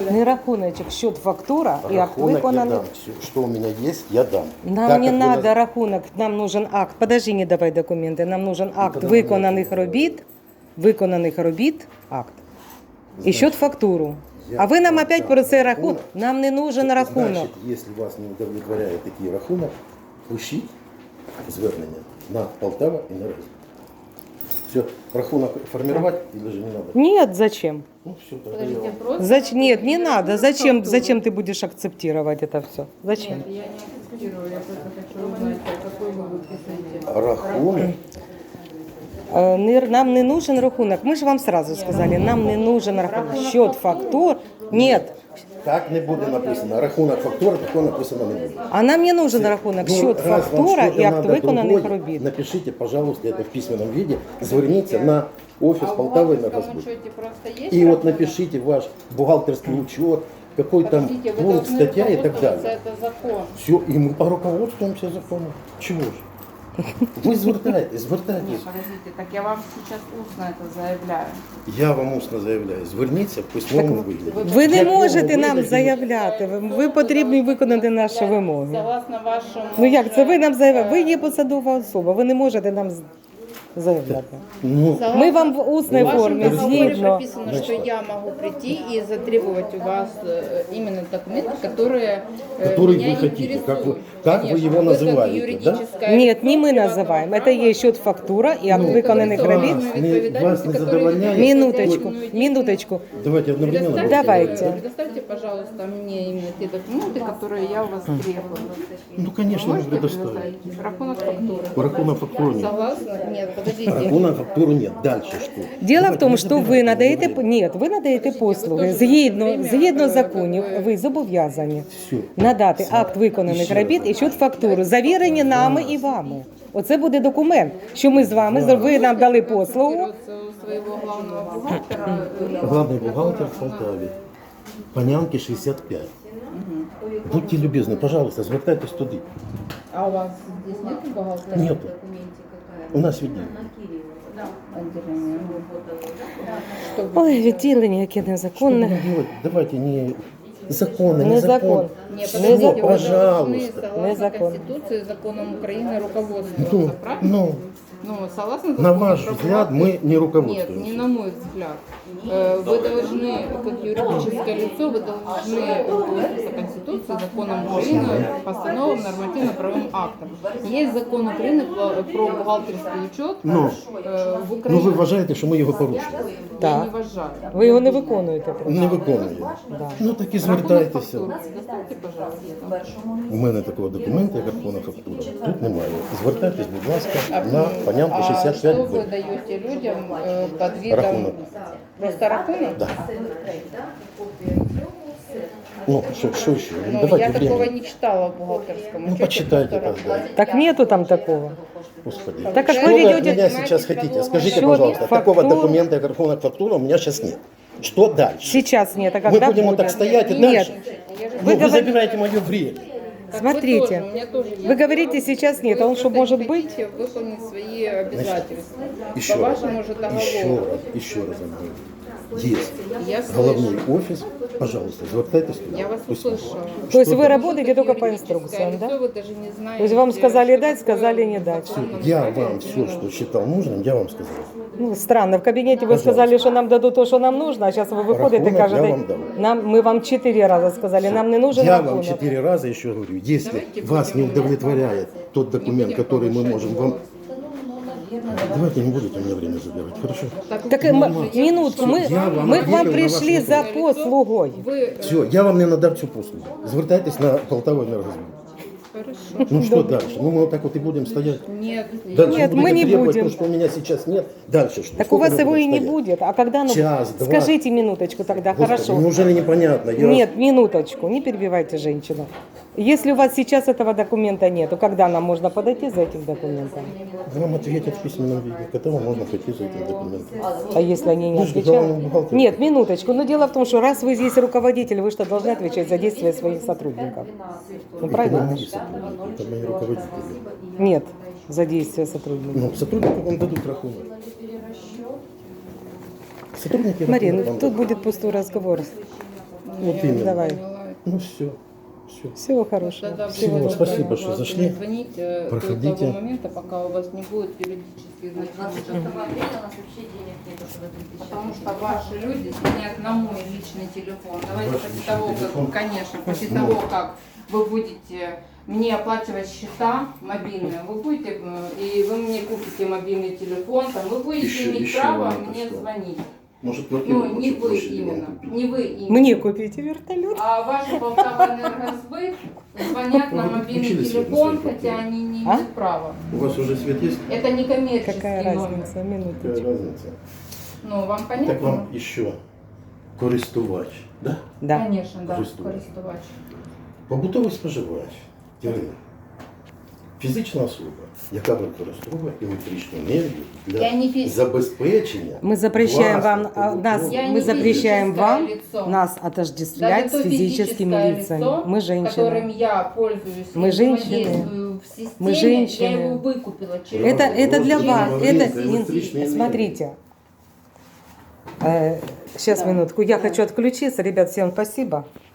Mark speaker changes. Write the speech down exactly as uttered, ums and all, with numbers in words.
Speaker 1: Не рахуночек, счет, фактура и акт
Speaker 2: Рахунок я
Speaker 1: виконаний.
Speaker 2: дам. Все, что у меня есть, я дам.
Speaker 1: Нам
Speaker 2: Так
Speaker 1: не
Speaker 2: как вы
Speaker 1: надо
Speaker 2: нас-
Speaker 1: рахунок, нам нужен акт. Подожди, не давай документи. Нам нужен акт
Speaker 2: тогда
Speaker 1: виконаних
Speaker 2: давайте.
Speaker 1: робіт, виконаних робіт, акт. І
Speaker 2: Значить,
Speaker 1: счет, фактуру.
Speaker 2: я
Speaker 1: А ви нам
Speaker 2: вам
Speaker 1: опять
Speaker 2: дам
Speaker 1: про цей
Speaker 2: рахунок.
Speaker 1: рахунок. Нам не нужен рахунок.
Speaker 2: Значить, якщо вас не удовлетворяє такий рахунок, пишіть звернення на Полтава і на Раз. Все, рахунок формувати или же не надо?
Speaker 1: Нет, зачем?
Speaker 2: Ну все, тогда я
Speaker 3: Подождите,
Speaker 2: вам...
Speaker 3: просто...
Speaker 1: Зач... Нет, не надо. Зачем,
Speaker 3: фактуру.
Speaker 1: зачем ты будешь акцептировать это все? Зачем?
Speaker 3: Нет, я не акцептирую, я просто хочу узнать, какой вы выписываете.
Speaker 2: Рахунок.
Speaker 1: Е, не- Нам не нужен рахунок. Мы же вам сразу сказали, нам не нужен рахунок. Счет, фактур. Нет.
Speaker 2: Так не буде написано. Рахунок фактура, такого написано не буде.
Speaker 1: А нам не нужен рахунок.
Speaker 2: Ну,
Speaker 1: Счет,
Speaker 2: раз вам
Speaker 1: фактура
Speaker 2: что-то
Speaker 1: и акт
Speaker 2: надо
Speaker 1: виконаних
Speaker 2: другое,
Speaker 1: робіт.
Speaker 2: Напишите, пожалуйста, это в письменном виде. Зверніться на офис
Speaker 3: А в
Speaker 2: Полтавы на
Speaker 3: бухгалтерском
Speaker 2: Газбуд.
Speaker 3: учете просто есть
Speaker 2: И вот
Speaker 3: рахунок?
Speaker 2: напишите ваш бухгалтерский учет, какой там
Speaker 3: Подождите, вы
Speaker 2: пункт,
Speaker 3: должны
Speaker 2: статья и так
Speaker 3: руководствоваться,
Speaker 2: далее.
Speaker 3: это закон.
Speaker 2: Все, и мы поруководствуемся законом. Чего ж? Ви звертайтесь, звертайтесь.
Speaker 3: Нет, подождите, так я вам сейчас устно это заявляю.
Speaker 2: Я вам усно заявляю, зверніться в письмовому вигляді.
Speaker 1: Ви не
Speaker 2: В якому
Speaker 1: можете нам
Speaker 2: вигляді?
Speaker 1: заявляти. Ви, ви потрібні виконати наші вимоги.
Speaker 3: Согласно вашему...
Speaker 1: Ну як це ви нам заявляєте? Ви є посадова особа, ви не можете нам з- заявляти.
Speaker 2: Ну,
Speaker 1: Ми вам в усній
Speaker 3: В вашем
Speaker 1: формі,
Speaker 3: договоре
Speaker 1: згідно.
Speaker 3: прописано, что я могу прийти и затребовать у вас э, именно документы, которые, э,
Speaker 2: Который
Speaker 3: меня
Speaker 2: вы хотите,
Speaker 3: интересуют.
Speaker 2: как вы- как вы
Speaker 3: Конечно,
Speaker 2: его
Speaker 3: как
Speaker 2: называете,
Speaker 3: юридическое
Speaker 1: Нет, не
Speaker 3: лицо
Speaker 1: мы
Speaker 3: приватного
Speaker 1: называем.
Speaker 3: права.
Speaker 1: Это есть счет, фактура и акт
Speaker 2: Ну,
Speaker 1: виконаних
Speaker 2: вас
Speaker 1: робіт.
Speaker 2: не- вас не задовольняет?
Speaker 1: Минуточку, минуточку.
Speaker 2: давайте одновременно.
Speaker 3: Предоставьте,
Speaker 1: Давайте.
Speaker 3: предоставьте, пожалуйста, мне именно те документы, которые я у вас требую.
Speaker 2: Ну, конечно, мы
Speaker 3: Можете
Speaker 2: предоставим.
Speaker 3: предоставить? Рахунок фактуры.
Speaker 2: Рахунок фактуру нет.
Speaker 3: Согласна? Нет, подождите.
Speaker 2: Рахунок фактуру нет. Дальше что?
Speaker 1: Діло в тому,
Speaker 2: не
Speaker 1: що
Speaker 2: забирайте,
Speaker 1: ви
Speaker 2: не
Speaker 1: надаєте
Speaker 2: забирайте.
Speaker 1: ні, ви надаєте послуги. Згідно, згідно законів, ви зобов'язані
Speaker 2: Все.
Speaker 1: надати акт виконаних
Speaker 2: Ще
Speaker 1: робіт
Speaker 2: раз.
Speaker 1: і счет фактуру, завірені нами і вами. Оце буде документ, що ми з вами, ви нам дали послугу.
Speaker 3: Берется у своего главного бухгалтера. э,
Speaker 2: Главный бухгалтер в Полтаве. Панянки шестьдесят пять. Будьте любезны, пожалуйста, звертайтесь туди.
Speaker 3: А у вас здесь нет бухгалтера?
Speaker 2: Нету. У нас відділення.
Speaker 3: Отделения. Что вы-
Speaker 1: Ой, відділення, яке незаконне.
Speaker 2: Что делать? Давайте не законы, не
Speaker 1: Не
Speaker 2: закон.
Speaker 1: закон.
Speaker 3: Не,
Speaker 1: Не
Speaker 3: подождите,
Speaker 1: закон.
Speaker 3: вы должны,
Speaker 2: Пожалуйста.
Speaker 3: согласно
Speaker 1: Не закон.
Speaker 3: Конституции и законам Украины
Speaker 2: Ну,
Speaker 3: руководствоваться, правильно?
Speaker 2: ну,
Speaker 3: Ну, согласно
Speaker 2: на
Speaker 3: закону
Speaker 2: ваш
Speaker 3: про
Speaker 2: взгляд,
Speaker 3: бухгалтера-
Speaker 2: мы не
Speaker 3: Нет,
Speaker 2: руководствуемся.
Speaker 3: не на мой взгляд. Э, Вы должны, как юридическое лицо, вы должны руководствоваться Конституцией, законом Украины, постановам, нормативно-правовым актом. Есть закон Украины про про бухгалтерский учет
Speaker 2: Ну,
Speaker 3: э, в
Speaker 2: Ну
Speaker 3: Украине.
Speaker 2: ви вважаєте, що ми його порушили?
Speaker 3: Я
Speaker 1: Так.
Speaker 3: не вважаю.
Speaker 1: Ви його не виконуєте.
Speaker 2: Не виконуємо.
Speaker 1: Да.
Speaker 2: Ну так і
Speaker 3: Рахунок
Speaker 2: звертайтеся.
Speaker 3: фактури доставте, пожалуйста.
Speaker 2: У мене такого документу, як рахунок фактура, тут немає. Звертайтесь, будь ласка, на Панянку
Speaker 3: А
Speaker 2: шістдесят
Speaker 3: что
Speaker 2: п'ять
Speaker 3: вы
Speaker 2: Б.
Speaker 3: даете людям э, под видом...
Speaker 2: Рахунок.
Speaker 3: Просто рахунок?
Speaker 2: Да. Ну, що, що ще?
Speaker 3: Ну,
Speaker 2: Давайте
Speaker 3: я такого
Speaker 2: время.
Speaker 3: не читала в бухгалтерском
Speaker 2: Ну,
Speaker 3: учете.
Speaker 2: почитайте
Speaker 3: просто
Speaker 2: тогда.
Speaker 3: рахунок.
Speaker 1: Так нету там такого.
Speaker 2: Господи.
Speaker 1: Так как
Speaker 2: Что
Speaker 1: вы
Speaker 2: вы от
Speaker 1: ведете-
Speaker 2: меня сейчас хотите? Скажите,
Speaker 1: Счет,
Speaker 2: пожалуйста, такого
Speaker 1: фактуру.
Speaker 2: документа, как рахунок фактура, у меня сейчас нет. Что дальше?
Speaker 1: Сейчас нет, а
Speaker 2: Мы
Speaker 1: когда
Speaker 2: будем вот
Speaker 1: будет?
Speaker 2: так стоять и
Speaker 1: Нет.
Speaker 2: дальше?
Speaker 3: Я же
Speaker 2: Ну,
Speaker 1: Вы
Speaker 2: вы
Speaker 1: говорите-
Speaker 2: забираете мое время.
Speaker 3: Так
Speaker 1: Смотрите,
Speaker 3: вы, тоже, у меня тоже
Speaker 1: вы
Speaker 3: есть.
Speaker 1: говорите, сейчас нет, а он
Speaker 3: Вы
Speaker 1: что,
Speaker 3: просто
Speaker 1: может
Speaker 3: не
Speaker 1: быть?
Speaker 3: хотите выполнить свои обязательства.
Speaker 2: Еще
Speaker 3: По
Speaker 2: раз,
Speaker 3: вашему же договору.
Speaker 2: еще раз, еще раз говорю. Есть
Speaker 3: Я
Speaker 2: головной
Speaker 3: слышу.
Speaker 2: офис, пожалуйста, звертайтесь туда.
Speaker 3: Я вас
Speaker 2: Пусть-
Speaker 3: услышала.
Speaker 1: То есть
Speaker 2: Что
Speaker 1: вы
Speaker 2: дальше?
Speaker 1: работаете только по
Speaker 3: Юридическое
Speaker 1: инструкциям,
Speaker 3: лицо,
Speaker 1: да?
Speaker 3: Вы даже не знаете,
Speaker 1: То есть вам сказали
Speaker 3: что
Speaker 1: дать,
Speaker 3: такое
Speaker 1: сказали не дать.
Speaker 3: закон
Speaker 2: Я
Speaker 3: правильно
Speaker 2: вам
Speaker 3: или
Speaker 2: все,
Speaker 3: не
Speaker 2: что
Speaker 3: нужно.
Speaker 2: считал нужным, я вам сказал.
Speaker 1: Ну, странно, в кабинете вы
Speaker 2: Пожалуйста.
Speaker 1: сказали, что нам дадут то, что нам нужно, а сейчас вы выходите и
Speaker 2: Рахунок я
Speaker 1: кажете,
Speaker 2: вам дам.
Speaker 1: нам, мы вам четыре раза сказали, нам не нужен
Speaker 2: Я вам
Speaker 1: рахунок.
Speaker 2: четыре раза еще говорю, если
Speaker 3: Давайте
Speaker 2: вас не
Speaker 3: будем-
Speaker 2: удовлетворяет тот документ,
Speaker 3: будем
Speaker 2: который мы
Speaker 3: повышать
Speaker 2: можем вам... Давайте не будете мне время забирать, хорошо?
Speaker 1: Так, м- минутку, мы,
Speaker 2: Я вам
Speaker 1: мы к вам
Speaker 2: ответил на
Speaker 1: пришли
Speaker 2: ваш
Speaker 1: за
Speaker 2: вопрос.
Speaker 1: послугой.
Speaker 3: Вы
Speaker 2: Все, я вам не надав цю послугу. Звертайтесь на Полтаву энергосбыт.
Speaker 3: хорошо.
Speaker 2: Ну что дальше? Ну мы вот так вот и будем стоять.
Speaker 3: Нет,
Speaker 2: Дальше
Speaker 1: Нет,
Speaker 2: будете
Speaker 1: мы не
Speaker 2: требовать
Speaker 1: будем.
Speaker 2: то, что у меня сейчас нет. Дальше что?
Speaker 1: Так у
Speaker 2: Сколько
Speaker 1: вас
Speaker 2: мы
Speaker 1: его
Speaker 2: будем
Speaker 1: и не
Speaker 2: стоять?
Speaker 1: будет. А когда, ну,
Speaker 2: Час, два.
Speaker 1: скажите минуточку тогда,
Speaker 2: Господи,
Speaker 1: хорошо.
Speaker 2: неужели непонятно? Я-
Speaker 1: Нет, минуточку, не перебивайте женщину. Если у вас сейчас этого документа нет, то когда нам можно подойти за этим документом?
Speaker 2: Вам ответят в письменном виде, когда вам можно пойти за этим документом.
Speaker 1: А если они не
Speaker 2: Вы же
Speaker 1: отвечают?
Speaker 2: главный бухгалтер.
Speaker 1: Нет, минуточку. Но дело в том, что раз вы здесь руководитель, вы что, должны отвечать за действия своих сотрудников. Ну,
Speaker 2: Это
Speaker 1: правильно?
Speaker 2: мои сотрудники, это мои руководители.
Speaker 1: Нет, за действия сотрудников.
Speaker 2: Ну, сотрудники вам дадут рахунок. Сотрудники
Speaker 1: Марина,
Speaker 2: рахунок вам
Speaker 1: тут
Speaker 2: дадут.
Speaker 1: будет пустой разговор.
Speaker 3: Ну,
Speaker 2: Вот
Speaker 3: я
Speaker 2: именно.
Speaker 1: Давай.
Speaker 3: поняла.
Speaker 2: Ну все, все.
Speaker 1: Всего хорошего.
Speaker 3: Тогда
Speaker 2: Всего
Speaker 3: всего
Speaker 2: спасибо,
Speaker 3: доброго.
Speaker 2: что
Speaker 3: Пожалуйста,
Speaker 2: зашли.
Speaker 3: не звоните
Speaker 2: Проходите.
Speaker 3: до того момента, пока у вас не будет юридических
Speaker 4: двадцать
Speaker 3: значений.
Speaker 4: шестого апреля у нас вообще денег нету, чтобы ответить.
Speaker 3: Потому что ваши люди звонят на мой личный телефон. Давайте
Speaker 2: Ваш
Speaker 3: после
Speaker 2: личный
Speaker 3: того,
Speaker 2: телефон?
Speaker 3: как, конечно, после
Speaker 2: Ну.
Speaker 3: того, как вы будете мне оплачивать счета мобильные, вы будете, э, и вы мне купите мобильный телефон, там, вы будете
Speaker 2: Еще-
Speaker 3: иметь
Speaker 2: еще
Speaker 3: право
Speaker 2: вам
Speaker 3: мне
Speaker 2: что?
Speaker 3: звонить.
Speaker 2: Может, квартиру
Speaker 3: Ну, не
Speaker 2: почуть
Speaker 3: вы
Speaker 2: площади вам
Speaker 3: именно,
Speaker 2: купить?
Speaker 3: не вы именно.
Speaker 1: Мне купите вертолет.
Speaker 3: А ваши Полтава-Энергосбыт звонят на
Speaker 2: Вы
Speaker 3: мобильный
Speaker 2: включили свет на
Speaker 3: телефон,
Speaker 2: своей
Speaker 3: хотя
Speaker 2: квартире?
Speaker 3: они не
Speaker 1: А?
Speaker 3: имеют права.
Speaker 2: У вас уже свет есть?
Speaker 3: Это не коммерческий
Speaker 1: Какая
Speaker 3: номер.
Speaker 1: разница?
Speaker 2: Какая
Speaker 1: Минуточку.
Speaker 2: разница?
Speaker 3: Ну, вам понятно?
Speaker 2: Так вам еще користувач, да?
Speaker 1: Да.
Speaker 3: Конечно, да,
Speaker 2: Користувач.
Speaker 3: користувач.
Speaker 2: Побутовий споживач, Ірина, фізична особа, яка використовує електричну енергію для
Speaker 3: Я не фі-
Speaker 2: забезпечення.
Speaker 1: Мы запрещаем вам,
Speaker 2: власних
Speaker 1: а, нас,
Speaker 2: побутових-
Speaker 3: Я
Speaker 1: мы
Speaker 3: не
Speaker 1: запрещаем
Speaker 3: физическое
Speaker 1: вам
Speaker 3: лицо.
Speaker 1: нас отождествлять
Speaker 3: Даже
Speaker 1: с
Speaker 3: то
Speaker 1: физическими
Speaker 3: физическое
Speaker 1: лицами.
Speaker 3: лицо,
Speaker 1: Мы
Speaker 3: которым
Speaker 1: женщины.
Speaker 3: я пользуюсь,
Speaker 1: Мы
Speaker 3: и
Speaker 1: женщины.
Speaker 3: взаимодействую в системе,
Speaker 1: Мы женщины.
Speaker 3: я его выкупила через...
Speaker 1: Это, это для
Speaker 2: Просто
Speaker 1: вас.
Speaker 2: говорим
Speaker 1: Это,
Speaker 2: за электричную энергию.
Speaker 1: смотрите. Сейчас,
Speaker 3: Да.
Speaker 1: минутку. Я хочу отключиться. Ребят, всем спасибо.